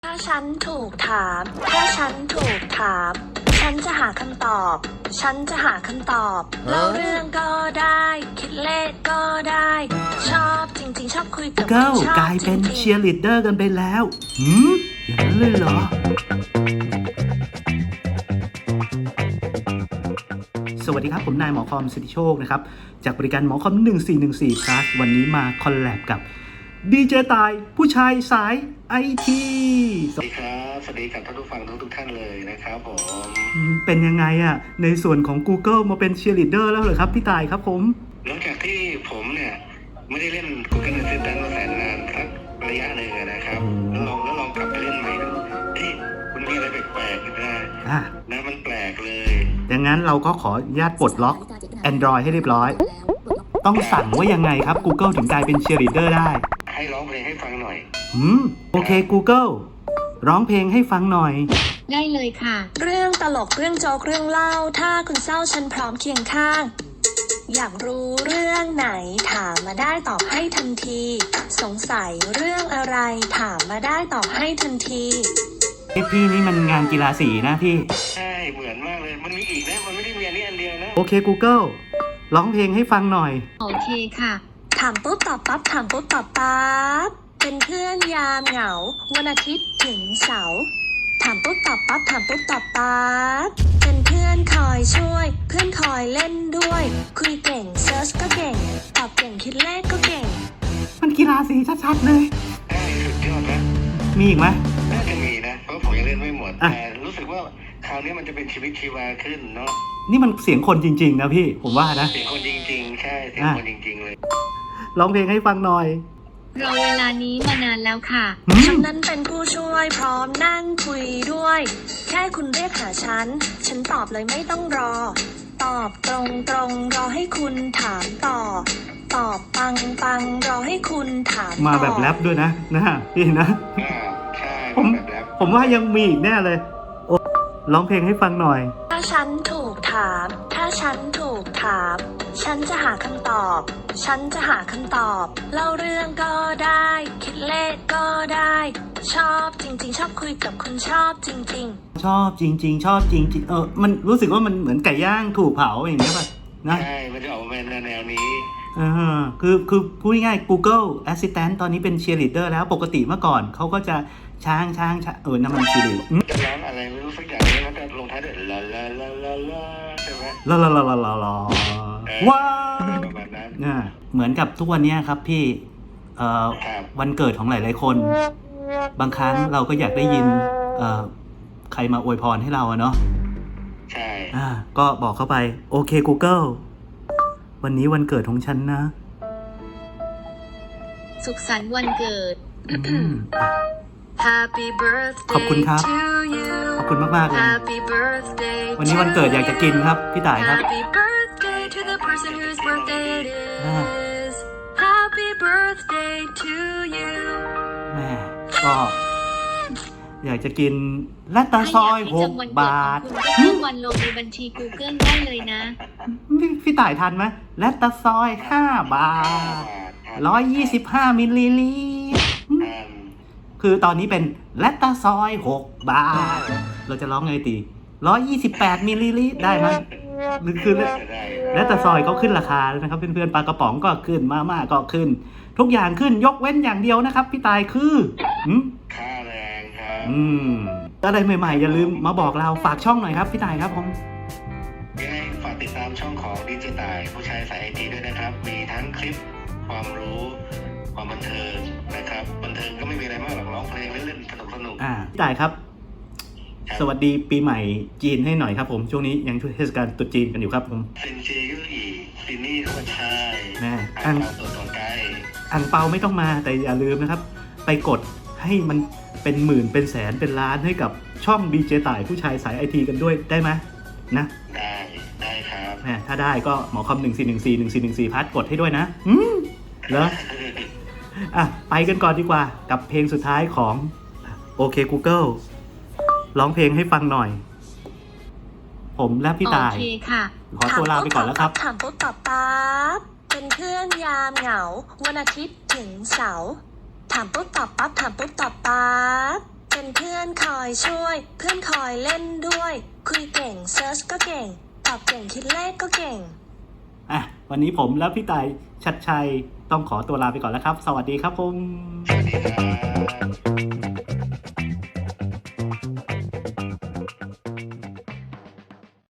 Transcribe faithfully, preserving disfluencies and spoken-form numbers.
ถ้าฉันถูกถาม ถ้าฉันถูกถาม ฉันจะหาคำตอบ ฉันจะหาคำตอบเล่าเรื่องก็ได้ คิดเลขก็ได้ ชอบจริงๆชอบคุยกับเก้าชอบกลายเป็นจริงๆเชียร์ลีดเดอร์กันไปแล้วหืมอย่างนั้นเลยเหรอ สวัสดีครับผมนายหมอคอมสิทธิโชคนะครับจากบริการหมอคอมหนึ่งสี่หนึ่งสี่ plus วันนี้มาคอลแลบกับดีเจตายผู้ชายสายไอทีสวัสดีครับสวัสดีกับท่านผู้ฟังทุกทุกท่านเลยนะครับผมเป็นยังไงอะในส่วนของ Google มาเป็นเชียร์ลีดเดอร์แล้วเหรอครับพี่ตายครับผมหลังจากที่ผมเนี่ยไม่ได้เล่น Google Assistant มาแสนนานสักระยะหนึ่งนะครับแล้วลองแล้วลองกลับไปเล่นใหม่ดูเฮ้ยมันมีอะไรแปลกๆนะอ่ะนะมันแปลกเลยดังนั้นเราก็ขออนุญาตปลดล็อก Android ให้เรียบร้อย ต้องสั่งว่ายังไงครับ Google ถึงกลายเป็นเชียร์ลีดเดอร์ได้ให้ร้องเพลงให้ฟังหน่อยอืมโอเค Google ร้องเพลงให้ฟังหน่อยได้เลยค่ะ เรื่องตลกเรื่องโจ๊กเรื่องเล่าถ้าคุณเศร้าฉันพร้อมเคียงข้างอยากรู้เรื่องไหนถามมาได้ตอบให้ทันทีสงสัยเรื่องอะไรถามมาได้ตอบให้ทันทีไอพี่นี่มันงานกีฬาสีนะพี่ใช่เหมือนมากเลยมันมีอีกนะมันไม่ได้มีอันนี้อันเดียวนะโอเค Google ร้องเพลงให้ฟังหน่อยโอเคค่ะถามปุ๊บตอบปั๊บถามปุ๊บตอบปั๊บเป็นเพื่อนยามเหงาวันอาทิตย์ถึงเสาร์ถามปุ๊บตอบปั๊บถามปุ๊บตอบปั๊บเป็นเพื่อนคอยช่วยเพื่อนคอยเล่นด้วยคุยเก่งเซิร์ชก็เก่งตอบเก่งคิดเลขก็เก่งมันกีฬาสีชัดๆเลยใช่สุดยอดนะมีอีกไหมน่าจะมีนะเพราะผมยังเล่นไม่หมดแต่รู้สึกว่าคราวนี้มันจะเป็นชีวิตชีวาขึ้นเนาะนี่มันเสียงคนจริงๆนะพี่ผมว่านะเสียงคนจริงๆใช่เสียงคนจริงๆเลยร้องเพลงให้ฟังหน่อยรอเวลานี้มานานแล้วค่ะฉันนั้นเป็นผู้ช่วยพร้อมนั่งคุยด้วยแค่คุณเรียกหาฉันฉันตอบเลยไม่ต้องรอตอบตรงตรงรอให้คุณถามต่อตอบปังปังรอให้คุณถามมาแบบแรปด้วยนะนะพี่นะใช่ผมผมว่ายังมีอีกแน่เลยโอ้ร้องเพลงให้ฟังหน่อยถ้าฉันถูกถามถ้าฉันถูกถามฉันจะหาคำตอบฉันจะหาคำตอบเล่าเรื่องก็ได้คิดเลขก็ได้ชอบจริงๆชอบคุยกับคนชอบจริงๆชอบจริงๆชอบจริงๆเออมันรู้สึกว่ามันเหมือนไก่ย่างถูกเผาอย่างเงี้ยป่ะนะใช่มันจะออกมาแนวนี้เออคือคือพูดง่ายๆ Google Assistant ตอนนี้เป็นเชียร์ลีดเดอร์แล้วปกติเมื่อก่อนเขาก็จะช้างช้างช้างเออน้ำมันชีริจะร้องอะไรไม่รู้สักอย่างแล้วก็ลงท้ายด้วยลาลาลาลาลาใช่ไหมลาลาลาลาลาลาว้าวเนี่ยเหมือนกับทุกวันนี้ครับพี่เอ่อวันเกิดของหลายๆคนบางครั้งเราก็อยากได้ยินเอ่อใครมาอวยพรให้เราอะเนาะใช่อ่าก็บอกเข้าไปโอเค Google วันนี้วันเกิดของฉันนะสุขสันต์วันเกิดHappy birthday ขอบคุณครับขอบคุณมากๆเลยวันนี้วันเกิดอยากจะกินครับพี่ต่ายครับ Happy birthday to the person whose birthday it is Happy birthday to you แม่ก็อยากจะกินลาตาซอยหกบาทเพิ่มวันลงในบัญชี Google ได้เลยนะพี่ต่ายทันไหมลาตาซอยห้าบาทร้อยยี่สิบห้ามิลลิลิตรคือตอนนี้เป็นแลตตาซอยหกบาทเราจะร้องไงตีร้อยยี่สิบแปดมิลลิลิตรได้ไหมหรือคือแลตตาซอยเขาขึ้นราคาแล้วนะครับเพื่อนๆปลากระป๋องก็ขึ้นมาม่าก็ขึ้นทุกอย่างขึ้นยกเว้นอย่างเดียวนะครับพี่ตายคือค่าแรงครับอืมอะไรใหม่ๆอย่าลืมมาบอกเราฝากช่องหน่อยครับพี่ตายครับผมยังไงฝากติดตามช่องของดีเจตายผู้ชายสายไอทีด้วยนะครับมีทั้งคลิปความรู้ความบันเทิงนะครับบันเทิงก็ไม่มีอะไรมากหรอกร้องเพลงเล่นๆสนุกสนุกอ่าพี่ต่ายครับสวัสดีปีใหม่จีนให้หน่อยครับผมช่วงนี้ยังช่วงเทศกาลตรุษจีนกันอยู่ครับผมซินเจยุอีซินนี่ก็ใช่แม่อังตัวตนไกอังเปาไม่ต้องมาแต่อย่าลืมนะครับไปกดให้มันเป็นหมื่นเป็นแสนเป็นล้านให้กับช่องดีเจต่ายผู้ชายสายไอทีกันด้วยได้ไหมนะได้ได้ครับแม่ถ้าได้ก็หมอคอมหนึ่งสี่หนึ่งสี่หนึ่งสี่หนึ่งสี่พัดกดให้ด้วยนะอืมแล้วอ่ะไปกันก่อนดีกว่ากับเพลงสุดท้ายของโอเค Google ร้องเพลงให้ฟังหน่อยผมและพี่ตายโอเคค่ะขอตัวลาไปก่อนแล้วครับถามปุ๊บตอบปั๊บเป็นเพื่อนยามเหงาวันอาทิตย์ถึงเสาร์ถามปุ๊บตอบปั๊บถามปุ๊บตอบปั๊บเป็นเพื่อนคอยช่วย เพื่อนคอยเล่นด้วย คุยเก่งเซิร์ชก็เก่ง ตอบเก่งคิดเลขก็เก่งอ่ะวันนี้ผมและพี่ต่ายชัดชัยต้องขอตัวลาไปก่อนแล้วครับ สวัสดีครับผมสวัสดีครับ